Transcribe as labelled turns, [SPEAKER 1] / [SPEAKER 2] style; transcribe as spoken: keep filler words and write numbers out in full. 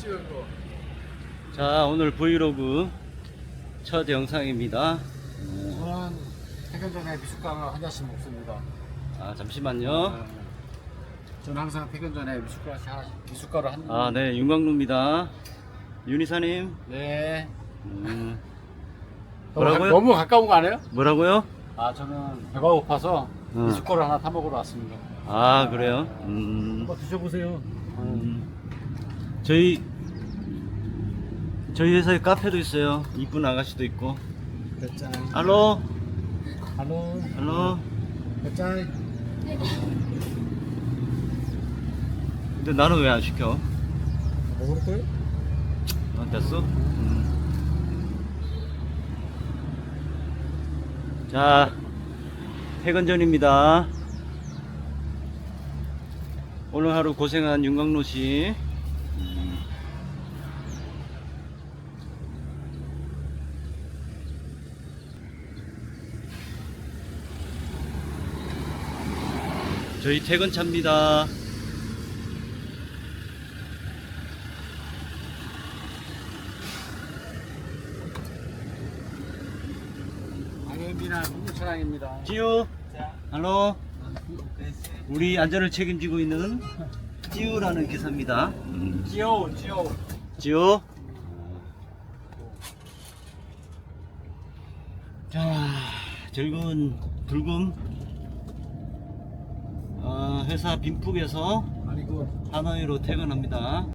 [SPEAKER 1] 찍은 거.
[SPEAKER 2] 자, 오늘 브이로그 첫 영상입니다.
[SPEAKER 1] 저는 퇴근 전에 미숫가루 한 잔씩 먹습니다.
[SPEAKER 2] 아, 잠시만요.
[SPEAKER 1] 네. 저는 항상 퇴근 전에 미숫가루 하나씩, 미숫가루 한.
[SPEAKER 2] 아, 네, 윤광루입니다. 윤이사님.
[SPEAKER 1] 네.
[SPEAKER 2] 음,
[SPEAKER 1] 너무, 가,
[SPEAKER 2] 뭐라고요?
[SPEAKER 1] 너무 가까운 거 아니에요?
[SPEAKER 2] 뭐라고요?
[SPEAKER 1] 아, 저는 배가 고파서
[SPEAKER 2] 어.
[SPEAKER 1] 미숫가루 하나 타 먹으러 왔습니다.
[SPEAKER 2] 아, 그래요? 음,
[SPEAKER 1] 한번 드셔보세요.
[SPEAKER 2] 음, 저희 저희 회사에 카페도 있어요. 이쁜 아가씨도 있고.
[SPEAKER 1] 몇
[SPEAKER 2] 알로,
[SPEAKER 1] 할로.
[SPEAKER 2] 알로.
[SPEAKER 1] 몇 잔?
[SPEAKER 2] 근데 나는 왜 안 시켜?
[SPEAKER 1] 먹을 거예요?
[SPEAKER 2] 아, 됐어? 음. 자, 퇴근 전입니다. 오늘 하루 고생한 윤광로 씨. 음. 저희 퇴근차입니다.
[SPEAKER 1] 강현빈아 국무차량입니다.
[SPEAKER 2] 지우, 할로. 우리 안전을 책임지고 있는 지우라는 기사입니다. 음.
[SPEAKER 1] 지오, 지오.
[SPEAKER 2] 지우. 자, 즐거운 불금. 어, 회사 빈푹에서
[SPEAKER 1] 아니 그
[SPEAKER 2] 하노이로 퇴근합니다.